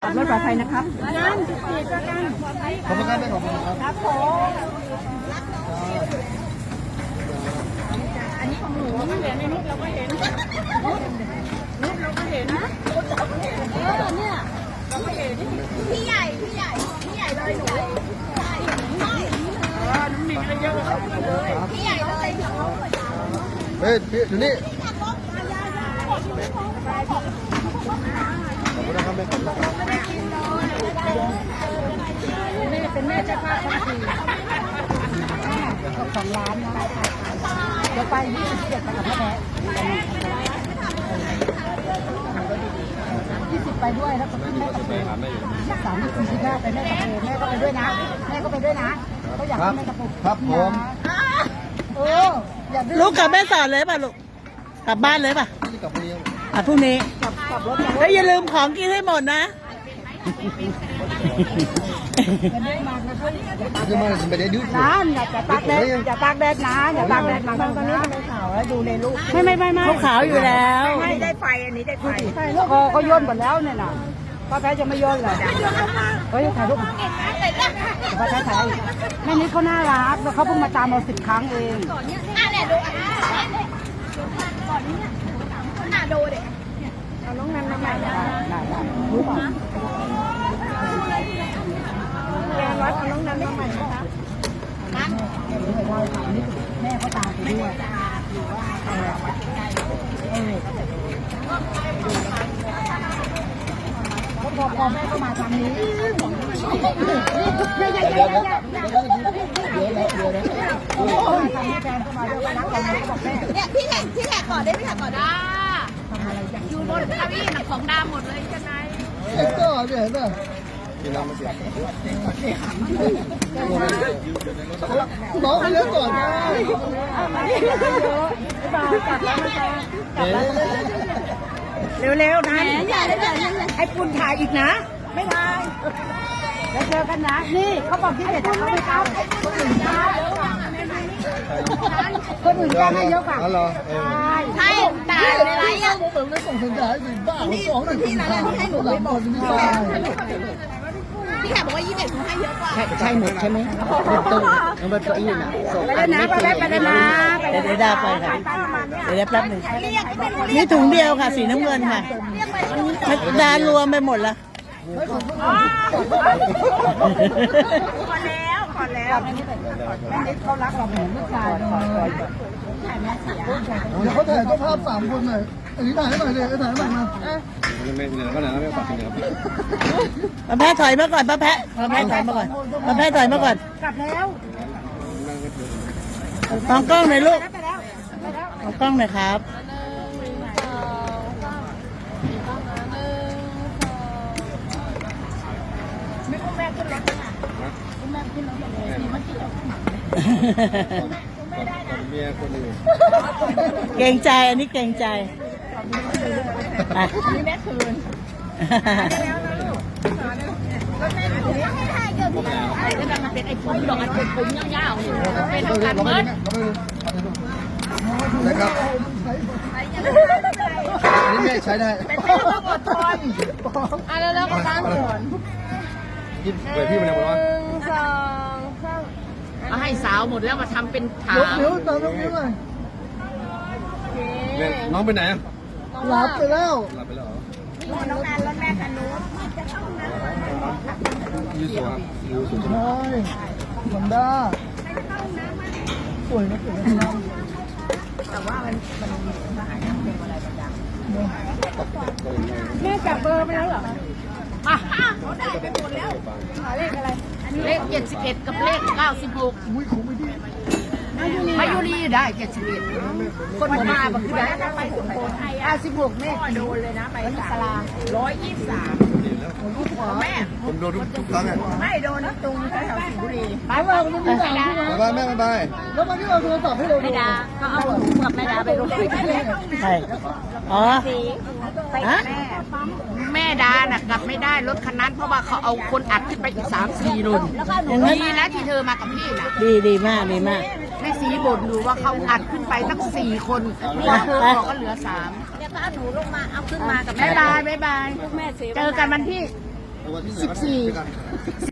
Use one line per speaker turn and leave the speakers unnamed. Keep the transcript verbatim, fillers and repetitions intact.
ขับรถปลอดภัยนะครับนั่นสิบสี่ประกัน
ขอบคุณครับขอบคุณครับ
ครับผมอันนี้ของหนูไม่เห็นในรูปเราก็เห็นรูปเราก็เห็นนะเออเนี่ยเราก็เห็นพี่ใหญ่พี่ใหญ่พี่ใหญ่เลยหนูเออน้ำหนิงอะไรเยอะเลยพี่ใหญ่เลย
เฮ้ยพี่อยู่นี่
แม่เป็นแม่เจ้าภาพทั้งทีสองล้านนะเดี๋ยวไปยี่สิบเจ็ดไปกับพ่อแม่ยี่สิบไปด้วยแล้วก็ขึ้นแม่กับเพื่อนสามสิบสี่สิบห้าไปแม่กับเพื่อนแม่ก็ไปด้วยนะแม่ก็ไปด้วยนะเขาอยากให้แม่กับผม
ครับผม
โอ้
ลูกกลับแม่สอนเลยป่ะลูกกลับบ้านเลยป่ะ
กลับเรียน
อ่ะพรุ่งนี้
กลับกลับรถ
แล้วอย่าลืมของกินให้หมดนะ
คือมันไม่ได้ดื้อ
น้ำอย่าตากแดดอย่าตากแดดนะอย่าตากแดดมาตอนนี้ไม่ขาวแล้วดูในลูกไม่ไม่ไม่ไม่
เขาขาวอยู่แล้ว
ไม่ได้ไฟอันนี้ได้ไฟคอเขาย่นหมดแล้วเนี่ยนะป้าแพ้จะไม่ย่นเลยเฮ้ยถ่ายรูปป้าแพ้ถ่ายแม่นี้เขาน่ารักแล้วเขาเพิ่งมาตามเราสิบครั้งเองอ่ะเนี่ยดูก่อนนี้เนี่ยน่าดูเด็กเอาน้องนันมาใหม่ได้ได้รู้ป่ะแกวัดเอาน้องนันมาใหม่นะคะนั่นแม่เขาตามไปด้วยพอพอแม่ก็มาทางนี้เดี๋ยวเดี๋ยวเดี๋ยวเดี๋ยวเดี๋ยวเดี๋ยวโอ้ยทางนี้แฟนก็มาด้วยรักกันเขาบอกแม่เนี่ยพี่แขกพี่แขกก่อนได้พี่แขกก่อนได้อยู่บนเก้าอี้ของดำหมดเลยใช่ไหม
เห็นก็เห็นป่ะกินน้ำมาเสียน้องไปเล่นก่อนนะ
เร็วๆนะไอ้ปุ่นถ่ายอีกนะไม่ถ่ายแล้วเจอกันนะนี่เขาบอกที่เด็ดเขาไม่เข้าคนอื่นได้คนอื่นได้เยอะกว่าใช่ตายอะไรอ่ะ
ผมไม่ส่งสัญญาณให้บ้าผมสองหนึ่งที่ร้านที่ให้หนูไปบอก
พี่แขกบอกว่ายี่สิบเอ็ดเขาให้เยอะกว่า
ใช่หมดใช่ไหมตู้เอาไปตัวอี้น่ะส่ง
ไปแล้วนะไปแล้วไปแล้วนะ
เดี๋ยวได้ไปค่ะเดี๋ยวได้แป๊บหนึ่งนี่ถุงเดียวค่ะสีน้ำเงินค่ะดารวมไปหมดละ
ขอแล้วขอแล้วแม่นิดเขารักเราเหมือนลูกชายเลย
เดี๋ยวเขาถ่ายก็ภาพสามคนหน่อยอันนี้ถ่ายให้หน่อยเลยถ่ายให้หน่อยมา
ไม่เหนื่อยก็หนาวไม่ปักกินครับ
ป้าแพ้ถอยมาก่อนป้าแพ้ป้าแพ้ถอยมาก่อนป้าแพ้ถอยมาก่อน
กลับแล้ว
มองกล้องหน่อยลูกมองกล้องหน่อยครับ
ไม่คุณแม่ขึ้นรถค่ะคุณแม่ขึ้นรถเลยดีมากที่เราไม่ได้นะ
เมียคนอื่น
เกรงใจอันนี้เกรงใจ
อันนี้แม่คืนแล้วนะลูกรถแม่คืนให้ถ่ายเกี่ยวกับอะไรก็จะมาเป็นไอ้ผมดอกอันเป็นผมยาวๆอยู่เป็นทางการเงิน
นะครับอันนี้แม่ใช้ได้
เป็นแม่ต้องอดทนอ่ะแล้วเราก็ตั้งก่อน
ยิ้มเปิดพี่มันเลยร้อน
สองสาม
เอาให้สาวหมดแล้วมาทำเป็นถาม
ยกนิ้วตามยกนิ้วเลย
น้องไปไหนอ่ะ
หลับไปแล้ว
หลับไปแล้ว
นี่น้องนันรถแม่คันนู้นจะเข้าน้ำ
ยูสูยูสู
ใช่มันได้สวยนะสวยนะ
แต่ว่ามันมันมันหายน้ำเป็นอะไรประจำแม่จับเบอร์ไปแล้วเหรออ่ะเขาได้ไปหมดแล้วเลขอะไร
เลขเจ็ดสิบเอ็ดกับเลขเก้าสิบหก
อุ้ยคงไม่ดี
มายุรีได้เจ็ดสิบเอ็ดคนมาบอกคือได้
ไปสุโขทัยอ่ะสิบหกแม่โดนเลยนะไปสลาร้อยยี่สิบสามแม่
ผมโดนทุกครั้งอ่ะ
ไม่โดนนะตรงแถวสิงห์บุรี
ไปว่าคุณไม่ได้บ๊ายบายแม่บ๊ายบายแล้วมาที่เราโทรศัพท์ให้เราดู
แม่ดาก็เอาหนูกับแม่ดาไปลง
ใช่อ๋อ
ไปแม่
แม่ดาน่ะกลับไม่ได้รถคันนั้นเพราะว่าเขาเอาคนอัดขึ้นไปอีกสามสี่รุ่นดีนะที่เธอมากับพี่น่ะดีดีมากดีมากแม่สีบ่นดูว่าเขาอัดขึ้นไปทั้งสี่คนพอเธอบอกก็เหลือสาม
เนี่ยก็เอาหนูลงมาเอาขึ้นมากับ
แม่บายบายบายเจอกันวันที่
สิบสี่